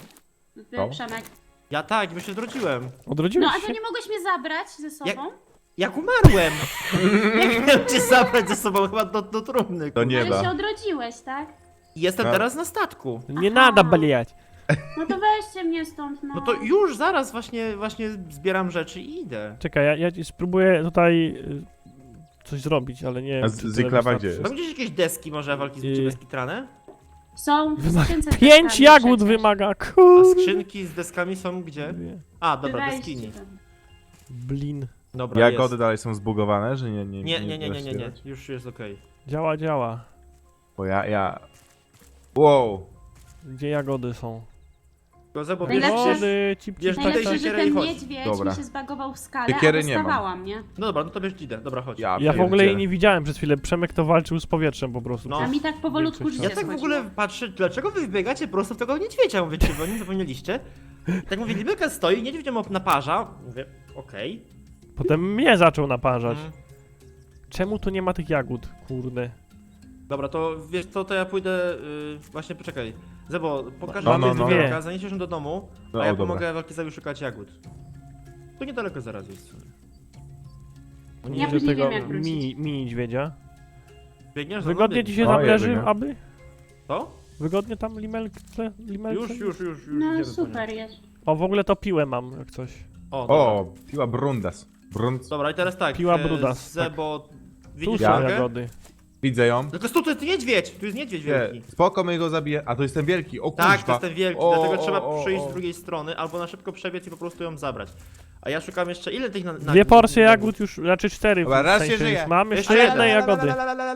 Speaker 4: To?
Speaker 3: Przemek.
Speaker 2: ja tak, bo się odrodziłem.
Speaker 3: No
Speaker 1: Odrodziłeś
Speaker 3: a to
Speaker 1: się?
Speaker 3: nie mogłeś mnie zabrać ze sobą?
Speaker 2: Jak umarłem! Jak miałem cię zabrać ze sobą chyba do trumny.
Speaker 4: Do
Speaker 2: kurwa.
Speaker 4: nieba.
Speaker 3: Ale się odrodziłeś, tak?
Speaker 2: Jestem
Speaker 4: Tak.
Speaker 2: teraz na statku.
Speaker 1: Nie
Speaker 3: Aha.
Speaker 1: nada bliać.
Speaker 3: No to weźcie mnie stąd, no.
Speaker 2: No to już zaraz właśnie zbieram rzeczy i idę.
Speaker 1: Czekaj, ja ci spróbuję tutaj coś zrobić, ale nie
Speaker 4: A
Speaker 1: wiem,
Speaker 4: z-
Speaker 1: czy tyle
Speaker 4: Zyklawa
Speaker 1: wystarczy.
Speaker 4: gdzie
Speaker 2: Mam gdzieś jakieś deski może walki z
Speaker 1: Yy.
Speaker 2: bezkitrane?
Speaker 3: Są w
Speaker 1: Wymaga-
Speaker 3: skrzynce z
Speaker 1: 5
Speaker 3: deskami
Speaker 1: jagód
Speaker 3: przecież.
Speaker 1: wymaga,
Speaker 2: A
Speaker 1: kurde.
Speaker 2: skrzynki z deskami są gdzie? A, dobra,
Speaker 3: Weźcie
Speaker 2: deskini.
Speaker 3: tam.
Speaker 1: Blin.
Speaker 2: Dobra,
Speaker 4: Jagody
Speaker 2: jest.
Speaker 4: dalej są zbugowane, że nie?
Speaker 2: Nie. Już jest okej.
Speaker 1: Działa.
Speaker 4: Bo ja... Wow.
Speaker 1: Gdzie jagody są?
Speaker 2: Tylko Zebo,
Speaker 3: Najlepsze-
Speaker 2: bierz,
Speaker 1: Jagody, cip,
Speaker 2: bierz
Speaker 1: cip,
Speaker 2: tutaj
Speaker 3: Najlepsze, że
Speaker 2: siekierę i
Speaker 3: ten
Speaker 2: chodź.
Speaker 3: niedźwiedź
Speaker 4: Dobra.
Speaker 3: mi się zbagował w skale,
Speaker 4: Siekiery
Speaker 3: a
Speaker 4: nie mam.
Speaker 3: dostawałam, nie?
Speaker 2: No dobra, no to bierz dzidę, dobra, chodź.
Speaker 4: Ja
Speaker 1: Ja w ogóle jej
Speaker 4: pierdzielę.
Speaker 1: nie widziałem przez chwilę. Przemek to walczył z powietrzem po prostu.
Speaker 2: No.
Speaker 3: A mi tak powolutku
Speaker 1: Większość
Speaker 3: życie
Speaker 2: Ja tak w
Speaker 3: schodziło.
Speaker 2: ogóle patrzę, dlaczego wy wybiegacie prosto w tego niedźwiedzia? Mówię, czy wy o nim zapomnieliście? Tak mówię, Libelka stoi, niedźwiedź ją naparza. Mówię, okej.
Speaker 1: Potem mnie zaczął naparzać.
Speaker 2: Mm.
Speaker 1: Czemu tu nie ma tych jagód? Kurde.
Speaker 2: Dobra, to wiesz co, to ja pójdę, właśnie poczekaj. Zebo, pokażę
Speaker 1: Mamy
Speaker 2: wam
Speaker 1: dwie.
Speaker 2: Libelka, zaniesiesz ją do domu,
Speaker 4: No,
Speaker 2: a ja
Speaker 4: o, dobra.
Speaker 2: pomogę Walkizowi szukać jagód. Tu niedaleko zaraz jest. No
Speaker 3: Ja
Speaker 1: Widzę
Speaker 3: później
Speaker 1: tego
Speaker 3: wiem, jak wrócić.
Speaker 1: mini niedźwiedzia.
Speaker 2: Biegniesz za
Speaker 1: Wygodnie
Speaker 2: mną,
Speaker 1: ci się
Speaker 4: O,
Speaker 1: tam
Speaker 4: ja
Speaker 1: leży,
Speaker 4: biegam.
Speaker 1: aby?
Speaker 2: To?
Speaker 1: Wygodnie tam limelce?
Speaker 2: Już.
Speaker 3: No
Speaker 2: idziemy po
Speaker 3: super
Speaker 2: nią.
Speaker 3: jest.
Speaker 1: O, w ogóle to piłę mam, jak coś.
Speaker 2: O, dobra.
Speaker 4: O, piła Brundas.
Speaker 2: Dobra, i teraz tak.
Speaker 1: Piła Brudas,
Speaker 2: Zebo,
Speaker 1: Tu
Speaker 2: widzisz
Speaker 1: są
Speaker 4: Ja?
Speaker 2: jagę?
Speaker 1: jagody.
Speaker 4: Widzę ją.
Speaker 2: Tylko tu jest niedźwiedź, tu jest niedźwiedź wielki.
Speaker 4: Nie, spoko, my go zabiję. A to jest ten wielki, o
Speaker 2: Tak,
Speaker 4: kuźwa.
Speaker 2: to jest ten wielki,
Speaker 4: O,
Speaker 2: dlatego
Speaker 4: o,
Speaker 2: trzeba
Speaker 4: o,
Speaker 2: przyjść
Speaker 4: o.
Speaker 2: z drugiej strony, albo na szybko przebiec i po prostu ją zabrać. A ja szukam jeszcze, ile tych na
Speaker 1: Dwie porcje jagód już, znaczy 4
Speaker 4: Dobra, raz się
Speaker 1: sensie
Speaker 4: żyje.
Speaker 1: już mam, jeszcze
Speaker 2: Jeszcze
Speaker 1: jedne
Speaker 2: jedna.
Speaker 1: jagody.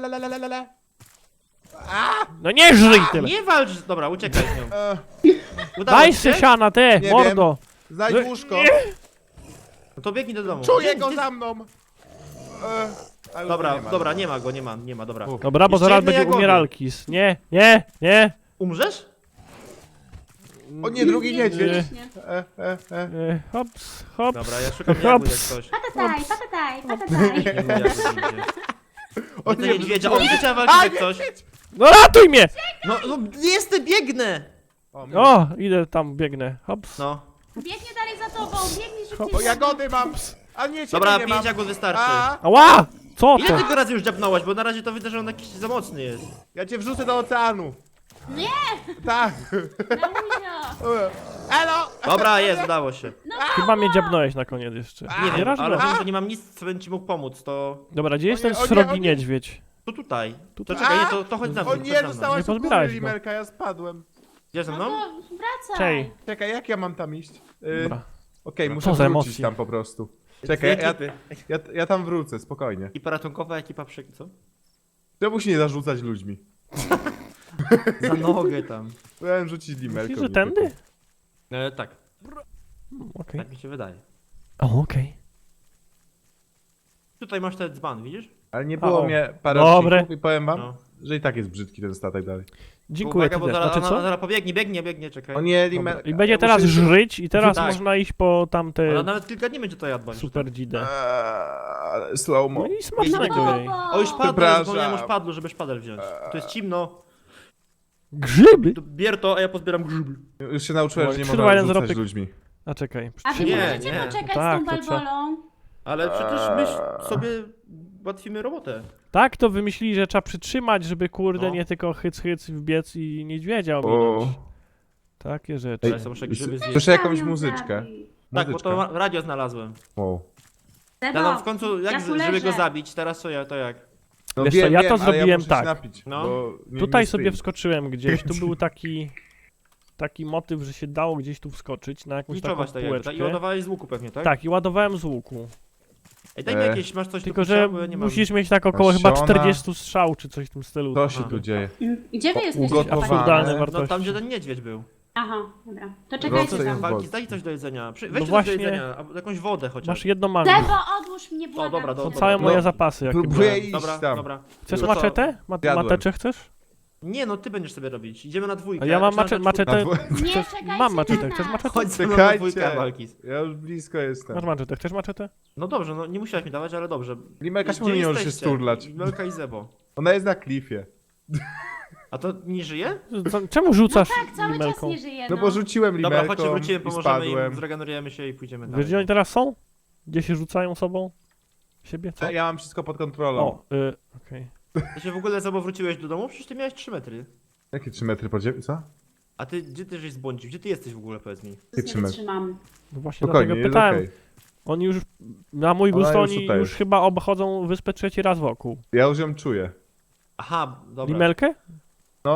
Speaker 1: No nie żyj tyle!
Speaker 2: Nie walcz, dobra, uciekaj z nią. Udało
Speaker 1: Daj
Speaker 2: ci
Speaker 1: se
Speaker 2: się?
Speaker 1: siana, te,
Speaker 4: Nie
Speaker 1: mordo!
Speaker 4: Znajdź łóżko.
Speaker 2: No to biegnij do domu.
Speaker 4: Czuję
Speaker 2: Nie,
Speaker 4: go
Speaker 2: nie-
Speaker 4: za mną. A już
Speaker 2: Dobra,
Speaker 4: go nie ma.
Speaker 2: dobra, nie ma, dobra.
Speaker 4: U.
Speaker 1: Dobra, bo
Speaker 2: Jeszcze
Speaker 1: zaraz
Speaker 2: jedne
Speaker 1: będzie
Speaker 2: jagody.
Speaker 1: umieralkis. Nie.
Speaker 2: Umrzesz?
Speaker 4: O nie, drugi niedźwiedź.
Speaker 3: Pięknie.
Speaker 1: Hops.
Speaker 2: Dobra, ja szukam jagód jak coś.
Speaker 3: Patataj.
Speaker 2: Nie ma jagód nigdzie.
Speaker 4: O
Speaker 2: Widzę
Speaker 4: nie,
Speaker 2: niedźwiedzia, o widzę trzeba walczyć jak coś.
Speaker 1: No ratuj mnie!
Speaker 2: No jestem, biegnę!
Speaker 1: O, idę tam, biegnę. Hops.
Speaker 2: No.
Speaker 3: Biegnie dalej za tobą, biegnij szybciej.
Speaker 4: O, jagody mam. A nie, ciebie
Speaker 2: Dobra,
Speaker 4: nie
Speaker 2: 5
Speaker 4: mam.
Speaker 2: jagód wystarczy.
Speaker 4: A,
Speaker 1: Ała! Co
Speaker 2: Ile
Speaker 1: to?
Speaker 2: ty go razy już dziabnąłeś, bo na razie to widzę, że on jakiś za mocny jest.
Speaker 4: ja cię wrzucę do oceanu.
Speaker 3: Nie,
Speaker 4: Tak.
Speaker 3: Lauzio.
Speaker 4: Elo.
Speaker 2: Dobra, jest, udało się.
Speaker 1: Chyba mnie dziabnąłeś na koniec jeszcze.
Speaker 2: Nie wiem,
Speaker 1: raz
Speaker 2: ale
Speaker 1: było.
Speaker 2: wiem, że nie mam nic, co będzie ci mógł pomóc, to...
Speaker 1: Dobra, gdzie jest ten
Speaker 4: o nie,
Speaker 1: srogi
Speaker 4: o nie.
Speaker 1: niedźwiedź?
Speaker 2: To tutaj.
Speaker 1: Tutaj.
Speaker 2: To czekaj, nie, to chodź za mną,
Speaker 4: O
Speaker 2: chodź
Speaker 4: nie,
Speaker 2: za mną.
Speaker 4: dostałaś
Speaker 1: Nie
Speaker 4: u góry,
Speaker 1: pozbierałeś go.
Speaker 4: Limelka, ja spadłem.
Speaker 2: Idziesz ze
Speaker 3: No
Speaker 2: mną?
Speaker 3: to wracaj.
Speaker 1: Czej.
Speaker 4: Czekaj, jak ja mam tam iść?
Speaker 1: Dobra.
Speaker 4: Okej,
Speaker 2: Co
Speaker 4: muszę
Speaker 1: za
Speaker 4: wrócić
Speaker 1: emocje.
Speaker 4: tam po prostu.
Speaker 2: Dwie
Speaker 4: Czekaj,
Speaker 2: ekipy.
Speaker 4: ja tam wrócę, spokojnie.
Speaker 2: Ekipa ratunkowa, ekipa co?
Speaker 4: Czemu się nie zarzucać ludźmi?
Speaker 2: Za nogę tam.
Speaker 4: Chciałem rzucić Limelkę.
Speaker 1: Myślisz, że tędy?
Speaker 2: Tak,
Speaker 1: Okej.
Speaker 2: tak mi się wydaje.
Speaker 1: O, okej.
Speaker 2: Tutaj masz ten dzban, widzisz?
Speaker 4: Ale nie było
Speaker 1: O,
Speaker 4: mnie parę
Speaker 1: dobre.
Speaker 4: odcinków i powiem wam,
Speaker 2: No.
Speaker 4: że i tak jest brzydki ten statek dalej.
Speaker 1: Dziękuję,
Speaker 2: Uwaga,
Speaker 1: ty
Speaker 2: bo
Speaker 1: też.
Speaker 2: zaraz,
Speaker 1: Znaczy co?
Speaker 2: zaraz biegnie, czekaj.
Speaker 4: O nie,
Speaker 1: Dobra.
Speaker 4: Limelka.
Speaker 1: I będzie
Speaker 4: ja
Speaker 1: teraz
Speaker 4: muszę-
Speaker 1: żryć i teraz
Speaker 2: Tak.
Speaker 1: można iść po
Speaker 2: Ona
Speaker 1: tamte
Speaker 2: nawet kilka dni będzie to jadła.
Speaker 1: super dzidę.
Speaker 4: Ale slow-mo.
Speaker 1: No i
Speaker 3: No
Speaker 1: smacznego jej.
Speaker 2: O, już padło,
Speaker 4: Przepraszam.
Speaker 2: zapomniałem o szpadlu, żeby szpadel wziąć. Tu jest cimno.
Speaker 1: Grzyby?
Speaker 2: To bier to, a ja pozbieram grzyby.
Speaker 4: Już się nauczyłem, że nie
Speaker 1: Kurwa,
Speaker 4: można
Speaker 1: jeden
Speaker 4: rzucać
Speaker 1: zarobek.
Speaker 4: ludźmi.
Speaker 1: A czekaj.
Speaker 3: A wy
Speaker 2: Nie,
Speaker 3: możecie
Speaker 2: nie.
Speaker 3: poczekać
Speaker 1: Tak,
Speaker 3: z tą
Speaker 1: to trzeba.
Speaker 3: balbolą?
Speaker 2: Ale przecież my sobie ułatwimy robotę.
Speaker 1: Tak to wymyślili, że trzeba przytrzymać, żeby kurde
Speaker 2: No.
Speaker 1: nie tylko hyc wbiec i niedźwiedzia
Speaker 4: O.
Speaker 1: ominąć. Takie rzeczy.
Speaker 2: Ale są muszę grzyby zjeść.
Speaker 4: Słyszę jakąś
Speaker 3: Tam ją
Speaker 4: muzyczkę.
Speaker 3: zabij.
Speaker 2: Tak, bo
Speaker 4: Muzyczka.
Speaker 2: to radio znalazłem.
Speaker 4: Wow.
Speaker 3: Sebo,
Speaker 2: Ja tam w końcu,
Speaker 3: ja
Speaker 2: jak,
Speaker 3: tu
Speaker 2: żeby
Speaker 3: leżę.
Speaker 2: go zabić, teraz co ja, to jak?
Speaker 4: No
Speaker 1: Wiesz co, ja to
Speaker 4: ale
Speaker 1: zrobiłem
Speaker 4: muszę
Speaker 1: tak.
Speaker 4: Się napić,
Speaker 2: No.
Speaker 4: bo nie,
Speaker 1: Tutaj
Speaker 4: nie
Speaker 1: sobie
Speaker 4: sprint.
Speaker 1: wskoczyłem gdzieś, tu był taki motyw, że się dało gdzieś tu wskoczyć na jakąś taką
Speaker 2: Niczować tak jakby, tak? I
Speaker 1: półeczkę.
Speaker 2: ładowałeś z łuku pewnie, tak?
Speaker 1: Tak, i ładowałem z łuku.
Speaker 2: Ej, daj mi jakieś, masz coś
Speaker 1: Tylko,
Speaker 2: do
Speaker 1: że
Speaker 2: picia, bo ja nie mam.
Speaker 1: musisz mieć tak około chyba
Speaker 4: Pasiona.
Speaker 1: 40 strzał, czy coś w tym stylu.
Speaker 4: Co się
Speaker 2: Aha.
Speaker 4: tu dzieje?
Speaker 3: Gdzie wy jesteście?
Speaker 4: ugotowane.
Speaker 1: Absurdalne
Speaker 2: No
Speaker 1: wartości.
Speaker 2: tam, gdzie ten niedźwiedź był.
Speaker 3: Aha, dobra. To
Speaker 4: Proszę
Speaker 3: czekajcie
Speaker 4: ją
Speaker 3: tam.
Speaker 2: Walki, daj coś do jedzenia. Weź coś
Speaker 1: właśnie-
Speaker 2: do jedzenia, albo jakąś wodę chociaż.
Speaker 1: Masz jedno magno.
Speaker 3: Sebo, odłóż mnie, błagam.
Speaker 2: dobra,
Speaker 1: Są
Speaker 2: dobra.
Speaker 1: całe moje
Speaker 4: No,
Speaker 1: zapasy, jakie
Speaker 4: próbuję
Speaker 1: były.
Speaker 4: iść
Speaker 2: Dobra,
Speaker 4: tam.
Speaker 2: dobra.
Speaker 1: Chcesz
Speaker 2: To co?
Speaker 1: maczetę?
Speaker 4: Jadłem.
Speaker 1: Mateczę chcesz?
Speaker 2: Nie no, ty będziesz sobie robić. Idziemy na dwójkę.
Speaker 1: A ja mam
Speaker 2: Znaczy, na
Speaker 1: maczetę.
Speaker 2: czwórkę.
Speaker 3: Nie,
Speaker 1: Chcesz-
Speaker 3: czekajcie
Speaker 1: Mam
Speaker 3: na
Speaker 1: maczetę.
Speaker 3: nas.
Speaker 1: Chcesz maczetę?
Speaker 2: Chodź ze mną na
Speaker 4: Czekajcie.
Speaker 2: dwójkę, Walkis.
Speaker 4: Ja już blisko jestem.
Speaker 1: Masz maczetę. Chcesz maczetę?
Speaker 2: No dobrze, no nie musiałeś mi dawać, ale dobrze.
Speaker 4: Limelka,
Speaker 2: Gdzie
Speaker 4: czemu nie możesz się
Speaker 2: jesteście?
Speaker 4: sturlać?
Speaker 2: Melka i Zebo.
Speaker 4: Ona jest na klifie.
Speaker 2: A to nie żyje?
Speaker 1: Czemu rzucasz
Speaker 3: Tak, cały czas
Speaker 1: limelką?
Speaker 3: nie żyje,
Speaker 4: No bo rzuciłem
Speaker 2: Dobra,
Speaker 4: limelką
Speaker 2: chodźcie, wrócimy,
Speaker 4: i
Speaker 2: pomożemy im,
Speaker 4: spadłem.
Speaker 2: zregenerujemy się i pójdziemy
Speaker 1: Wiesz, gdzie oni
Speaker 2: dalej.
Speaker 1: teraz są? Gdzie się rzucają sobą? Siebie? Co?
Speaker 4: Ja mam wszystko pod kontrolą.
Speaker 1: O, okej.
Speaker 2: Ty się w ogóle, Zebo, wróciłeś do domu? Przecież ty miałeś 3 metry.
Speaker 4: Jakie 3 metry pod ziemią? Co?
Speaker 2: A ty, gdzie ty żeś zbłądził? Gdzie ty jesteś w ogóle, powiedz mi?
Speaker 3: Nie
Speaker 4: Wytrzymaj.
Speaker 3: wytrzymam.
Speaker 1: No właśnie
Speaker 4: Spokojnie,
Speaker 1: dlatego
Speaker 4: jest
Speaker 1: pytałem.
Speaker 4: okej.
Speaker 1: Oni już, na mój
Speaker 4: Ona
Speaker 1: gust,
Speaker 4: już
Speaker 1: oni
Speaker 4: tutaj
Speaker 1: już
Speaker 4: jest.
Speaker 1: chyba obchodzą wyspę trzeci raz wokół.
Speaker 4: Ja już ją czuję.
Speaker 2: Aha, dobra.
Speaker 1: Limelkę?
Speaker 4: No.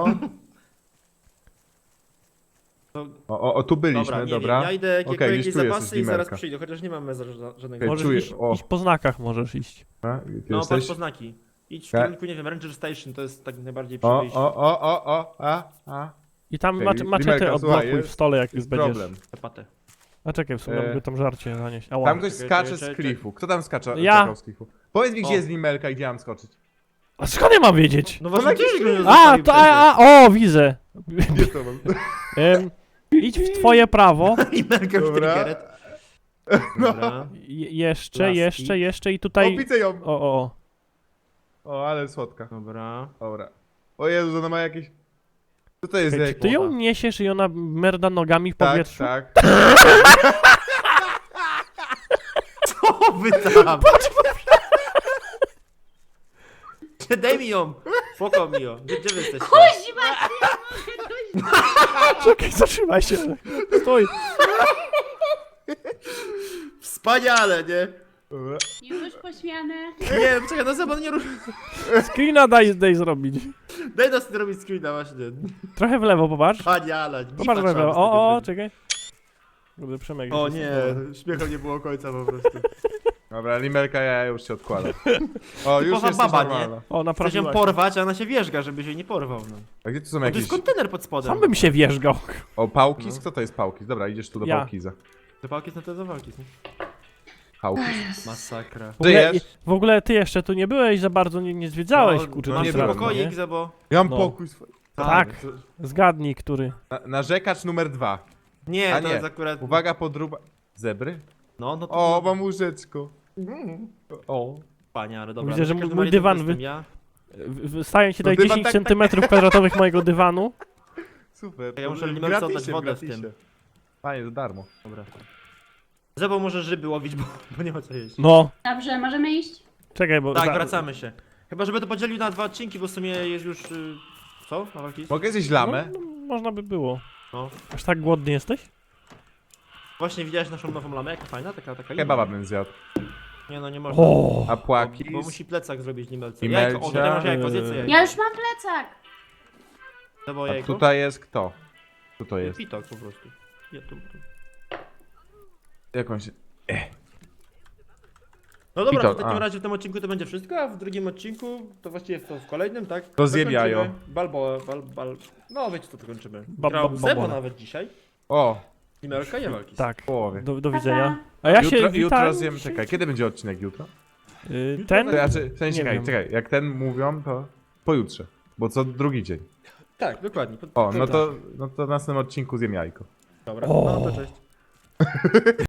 Speaker 2: To,
Speaker 4: O, tu byliśmy,
Speaker 2: dobra, nie
Speaker 4: dobra.
Speaker 2: wiem, ja idę
Speaker 4: Okej,
Speaker 2: jakieś
Speaker 4: gdzieś tu jest
Speaker 2: zapasy i zaraz
Speaker 4: limelka.
Speaker 2: przyjdę, chociaż nie mamy żadnego...
Speaker 4: Okej,
Speaker 1: Możesz
Speaker 4: czuję,
Speaker 1: iść,
Speaker 4: o.
Speaker 1: iść po znakach, możesz iść.
Speaker 4: A, ty
Speaker 2: No,
Speaker 4: jesteś?
Speaker 2: patrz po znaki. Idź w
Speaker 4: Tak.
Speaker 2: kierunku, nie wiem, Ranger Station, to jest tak najbardziej przy
Speaker 4: O,
Speaker 2: wyjściu.
Speaker 4: a.
Speaker 1: I tam
Speaker 4: Okej,
Speaker 1: maczetę
Speaker 4: Limelka,
Speaker 1: odblokuj
Speaker 4: słuchaj,
Speaker 1: w stole, jak już
Speaker 4: Jest
Speaker 1: będziesz.
Speaker 4: problem.
Speaker 2: Zapatę.
Speaker 1: A czekaj, w sumie
Speaker 4: E,
Speaker 1: mogę tam żarcie zanieść. Ała.
Speaker 4: Tam ktoś
Speaker 2: Czekaj,
Speaker 4: skacze
Speaker 2: czekaj,
Speaker 4: z klifu. Kto tam skacze
Speaker 1: Ja.
Speaker 4: skakał z klifu? Powiedz mi, gdzie
Speaker 2: O.
Speaker 4: jest limelka i gdzie mam skoczyć.
Speaker 1: A skąd ja mam wiedzieć?
Speaker 2: No właśnie,
Speaker 4: jakiś
Speaker 2: ty go nie
Speaker 1: A,
Speaker 2: zostawił
Speaker 1: to,
Speaker 2: wtedy.
Speaker 1: o, widzę.
Speaker 4: Gdzie to mam?
Speaker 1: Idź w twoje prawo.
Speaker 2: I Melka już
Speaker 4: Dobra.
Speaker 2: triggered. Dobra.
Speaker 1: Jeszcze
Speaker 2: Laski.
Speaker 1: i
Speaker 4: O,
Speaker 1: tutaj...
Speaker 4: widzę ją!
Speaker 1: O.
Speaker 4: O, ale słodka.
Speaker 2: Dobra.
Speaker 4: Dobra. O Jezu, ona ma jakieś... Co to jest za
Speaker 1: Czy
Speaker 4: jakieś...
Speaker 1: ty ją niesiesz i ona merda nogami w
Speaker 4: Tak,
Speaker 1: powietrzu?
Speaker 4: tak.
Speaker 2: O, wy tam! Daj mi ją! Spoko mi ją. Gdzie wy jesteście?
Speaker 3: Kuźma,
Speaker 1: Czekaj, zatrzymaj się. Stój.
Speaker 2: Wspaniale, nie?
Speaker 4: Dobra.
Speaker 3: już pośmiane.
Speaker 2: Nie, czekaj, no Zebo, nie rusz.
Speaker 1: Screena daj zrobić.
Speaker 2: Daj nas zrobić screena właśnie.
Speaker 1: Trochę w lewo, popatrz.
Speaker 2: Wspaniale.
Speaker 1: Popatrz w lewo. O, czekaj. Kurde, Przemek.
Speaker 2: O
Speaker 1: jest-
Speaker 2: nie, śmiechu nie było końca po prostu.
Speaker 4: Dobra, limelka, ja już się odkładam. O, już
Speaker 2: Typowa
Speaker 4: jesteś
Speaker 2: baba, nie?
Speaker 4: normalna.
Speaker 1: O,
Speaker 2: Chcesz ją
Speaker 1: naprawiłaś.
Speaker 2: porwać, a ona się wierzga, żeby się nie porwał. No.
Speaker 4: A gdzie tu są
Speaker 2: To
Speaker 4: jakieś...
Speaker 2: jest kontener pod spodem.
Speaker 1: Sam bym się wierzgał.
Speaker 4: O, pałkis?
Speaker 2: No.
Speaker 4: Kto to jest pałkis? Dobra, idziesz tu do
Speaker 1: Ja.
Speaker 4: pałkiza.
Speaker 2: Te pałki są te za walki. Nie?
Speaker 4: Pałkis.
Speaker 2: Masakra.
Speaker 4: Żyjesz?
Speaker 1: W ogóle ty jeszcze tu nie byłeś za bardzo, nie zwiedzałeś,
Speaker 2: No,
Speaker 1: kurczę.
Speaker 4: no
Speaker 1: tam
Speaker 4: nie
Speaker 2: masz
Speaker 1: strasznie,
Speaker 4: było.
Speaker 2: pokoik,
Speaker 1: nie?
Speaker 2: Zebo.
Speaker 4: Ja mam
Speaker 1: No.
Speaker 4: pokój swój.
Speaker 1: Tak.
Speaker 2: to-
Speaker 1: Zgadnij, który.
Speaker 4: Narzekacz numer 2.
Speaker 2: Nie,
Speaker 4: A
Speaker 2: to
Speaker 4: nie.
Speaker 2: jest akurat...
Speaker 4: Uwaga, podruba... Zebry?
Speaker 2: No to...
Speaker 4: O, mam łóżeczko. O.
Speaker 2: Panie, ale dobra.
Speaker 1: Widzę, że
Speaker 2: w każdym
Speaker 1: mój
Speaker 2: razie to
Speaker 1: dywan
Speaker 2: jestem
Speaker 1: wy-
Speaker 2: ja.
Speaker 1: Stają ci
Speaker 4: No
Speaker 1: tutaj
Speaker 4: dywan
Speaker 1: 10
Speaker 4: tak-
Speaker 1: centymetrów kwadratowych mojego dywanu.
Speaker 4: Super.
Speaker 2: Ja muszę
Speaker 4: to
Speaker 2: limelce
Speaker 4: gratisie,
Speaker 2: oddać wodę w
Speaker 4: gratisie.
Speaker 2: tym.
Speaker 4: Fajnie, za darmo.
Speaker 2: Dobra. Zebo może ryby łowić, bo nie ma co jeść.
Speaker 1: No.
Speaker 3: Dobrze, możemy iść?
Speaker 1: Czekaj, bo...
Speaker 2: Tak, wracamy się. Chyba, żeby to podzielił na 2 odcinki, bo w sumie jest już... Co? Na walki?
Speaker 4: Mogę zjeść lamę?
Speaker 1: No, można by było.
Speaker 2: No.
Speaker 1: Aż tak głodny jesteś?
Speaker 2: Właśnie widziałeś naszą nową lamę, jaka fajna, taka
Speaker 4: Kebaba bym zjadł.
Speaker 2: Nie no, nie można.
Speaker 1: O.
Speaker 4: A płaki?
Speaker 2: Bo musi plecak zrobić limelce.
Speaker 4: I
Speaker 2: Jajko, o,
Speaker 4: melcia,
Speaker 2: tutaj masz jajko, zjedz sobie jajko.
Speaker 3: Ja już mam plecak.
Speaker 2: Zebo
Speaker 4: A
Speaker 2: jajko.
Speaker 4: tutaj jest kto? Co to jest?
Speaker 2: Pitok po prostu. Ja tu.
Speaker 4: Jakąś...
Speaker 2: No dobra,
Speaker 4: Pitok,
Speaker 2: to w takim
Speaker 4: a.
Speaker 2: razie w tym odcinku to będzie wszystko, a w drugim odcinku, to właściwie w kolejnym, tak?
Speaker 4: To zjem jajo.
Speaker 2: Zakończymy No wiecie co to kończymy.
Speaker 1: Ba-
Speaker 2: Grał
Speaker 1: ba-
Speaker 2: Zebo
Speaker 1: ba-
Speaker 2: nawet dzisiaj.
Speaker 4: O,
Speaker 2: Limelka i walki.
Speaker 1: Tak.
Speaker 4: w połowie.
Speaker 1: Do widzenia. A ja się
Speaker 4: Jutro
Speaker 1: witam.
Speaker 4: zjem... Czekaj, kiedy będzie odcinek jutro?
Speaker 1: Ten?
Speaker 4: To znaczy, w sensie,
Speaker 1: Nie
Speaker 4: czekaj,
Speaker 1: wiem.
Speaker 4: czekaj, jak ten mówią, to pojutrze. Bo co drugi dzień.
Speaker 2: Tak, dokładnie.
Speaker 4: O, no to w następnym odcinku zjem jajko.
Speaker 2: Dobra,
Speaker 1: O.
Speaker 2: no to cześć.